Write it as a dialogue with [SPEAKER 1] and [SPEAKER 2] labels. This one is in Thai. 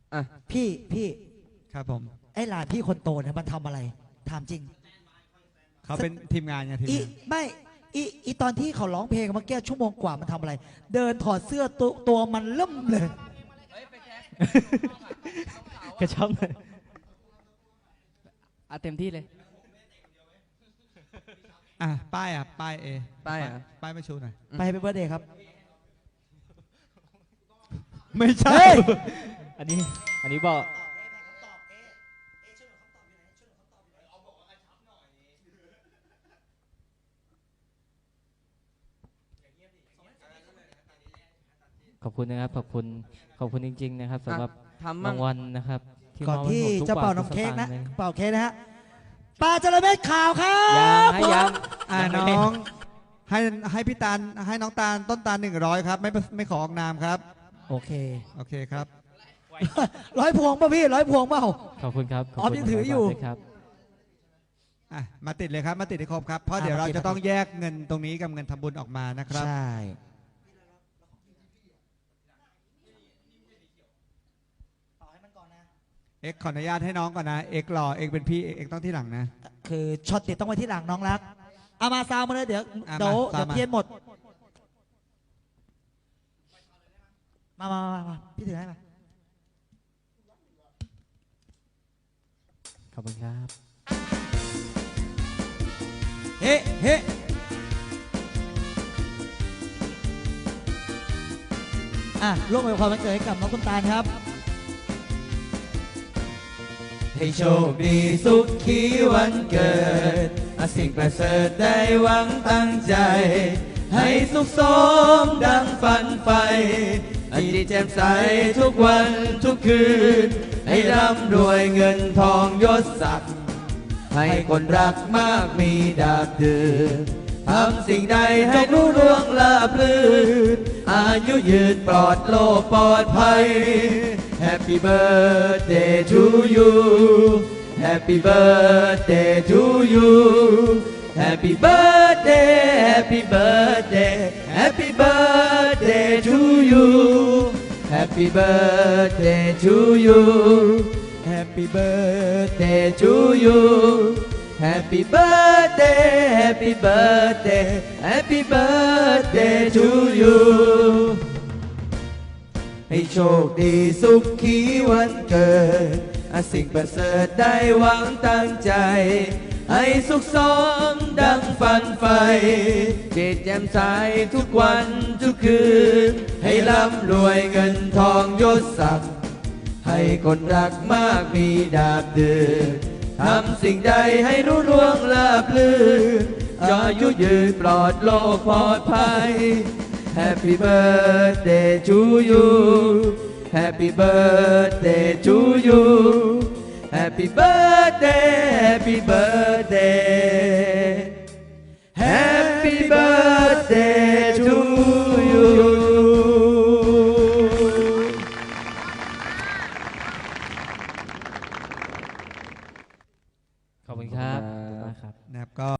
[SPEAKER 1] อ่ะ
[SPEAKER 2] พี่
[SPEAKER 3] ครับผม
[SPEAKER 2] ไอ้หลานพี่คนโตเนี่ยมันทำอะไรถามจริง
[SPEAKER 3] เขาเป็นทีมงานไงทีม
[SPEAKER 2] อี
[SPEAKER 3] งาน
[SPEAKER 2] ไม่อีตอนที่เขาร้องเพลงเมื่อกี้ชั่วโมงกว่ามันทำอะไร เดินถอดเสื้อตัวมันเริ่มเลย
[SPEAKER 1] กระชับเลยเต็มที่เลย
[SPEAKER 3] ป้ายป้ายเอ
[SPEAKER 1] ป้าย
[SPEAKER 3] ป้ายไม่ชูหน่อย
[SPEAKER 2] ไปเป็นเบอร์เดย์ครับ
[SPEAKER 3] ไม่ใช่
[SPEAKER 2] เฮ้ย
[SPEAKER 1] อันนี้บอกขอบคุณนะครับขอบคุณจริงๆนะครับสำหรับรางวัลนะครับ
[SPEAKER 2] ก่อนที่
[SPEAKER 1] มบให้ผมทุ
[SPEAKER 2] จะเป่า
[SPEAKER 1] บท
[SPEAKER 2] น้ำเค้กนะ
[SPEAKER 1] ทุสตางลย
[SPEAKER 2] เป่าเค้กนะฮะปลาจระเม็ดขาวครับ
[SPEAKER 1] ยัง
[SPEAKER 3] น้องให้พี่ตาลให้น้องตาลต้นตาล100ครับไม่ขอออกนามครับ
[SPEAKER 2] โอเค
[SPEAKER 3] โอเคครับ
[SPEAKER 2] 100 พวงป่ะพี่100 พวงเปล่า
[SPEAKER 1] ขอบคุณครับ
[SPEAKER 2] ออฟยังถืออยู่
[SPEAKER 1] ครับ
[SPEAKER 3] มาติดเลยครับมาติดให้ครบครับเพราะเดี๋ยวเราจะต้องแยกเงินตรงนี้กับเงินทำบุญออกมานะครับ
[SPEAKER 2] ใช่
[SPEAKER 3] เอ็กขออนุญาตให้น้องก่อนนะเอ็กรอเอ็กเป็นพี่เอ็กต้องที่หลังนะ
[SPEAKER 2] คือช็อตติดต้องไว้ที่หลังน้องรักเอามาซาวมาเลยเดี๋ยว
[SPEAKER 3] อ่ะ
[SPEAKER 2] เดี๋ยว
[SPEAKER 3] มาซาวมา
[SPEAKER 2] เทียนหมดมาพี่ถือให้มา
[SPEAKER 1] ขอบคุณครับ
[SPEAKER 3] เฮ้เฮ้
[SPEAKER 2] ร่วมอวยพรวันเกิดให้กับน้องคุณตาลครับ
[SPEAKER 4] ให้โชคดีสุขขีวันเกิดสิ่งประเสริฐได้หวังตั้งใจ ให้สุขสมดังฝันใฝ่จิตแจ่มใสทุกวันทุกคืน ให้ร่ำรวยเงินทองยศศักดิ์ให้คนรักมากมีดาบดื่นทำสิ่งใดให้รุ่งเรืองราบรื่นอายุยืนปลอดโลกปลอดภัย Happy birthday to you Happy birthday to you Happy birthday Happy birthday Happy birthday to you Happy birthday to you Happy birthday to you Happy birthday Happy birthday Happy birthday to you ให้โชคดีสุขขีวันเกิดสิ่งประเสริฐได้หวังตั้งใจ ให้สุขสมดังฝันใฝ่จิตแจ่มใสทุกวันทุกคืน ให้ร่ำรวยเงินทองยศศักดิ์ให้คนรักมากมีดาบดื่นทำสิ่งใดให้รุ่งเรืองราบรื่นจอยุยืนปลอดโลกปลอดภัย Happy birthday to you Happy birthday to you Happy birthday Happy birthday Happy birthday